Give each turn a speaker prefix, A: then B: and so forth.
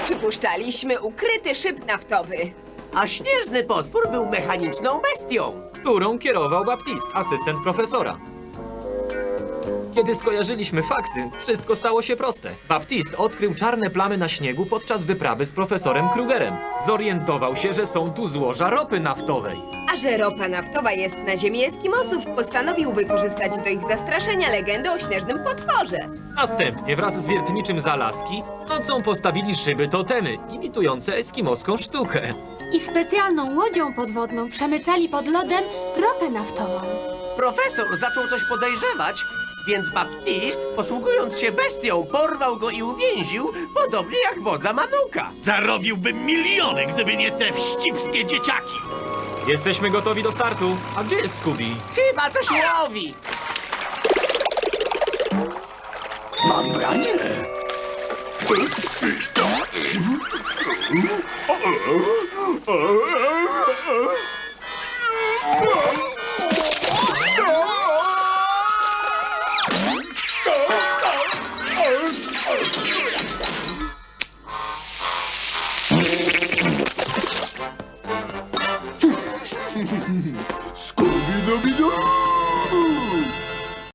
A: przypuszczaliśmy, ukryty szyb naftowy.
B: A śnieżny potwór był mechaniczną bestią.
C: którą kierował Baptiste, asystent profesora. Kiedy skojarzyliśmy fakty, wszystko stało się proste. Baptiste odkrył czarne plamy na śniegu podczas wyprawy z profesorem Krugerem. Zorientował się, że są tu złoża ropy naftowej.
A: A że ropa naftowa jest na ziemi Eskimosów, postanowił wykorzystać do ich zastraszenia legendę o śnieżnym potworze.
C: Następnie wraz z wiertniczym z Alaski nocą postawili szyby totemy, imitujące eskimoską sztukę.
D: I specjalną łodzią podwodną przemycali pod lodem ropę naftową.
B: Profesor zaczął coś podejrzewać, więc Baptiste, posługując się bestią, porwał go i uwięził, podobnie jak wodza Manuka.
E: Zarobiłbym miliony, gdyby nie te wścibskie dzieciaki.
C: Jesteśmy gotowi do startu. A gdzie jest Scooby?
B: Chyba coś łowi.
E: Mam branie.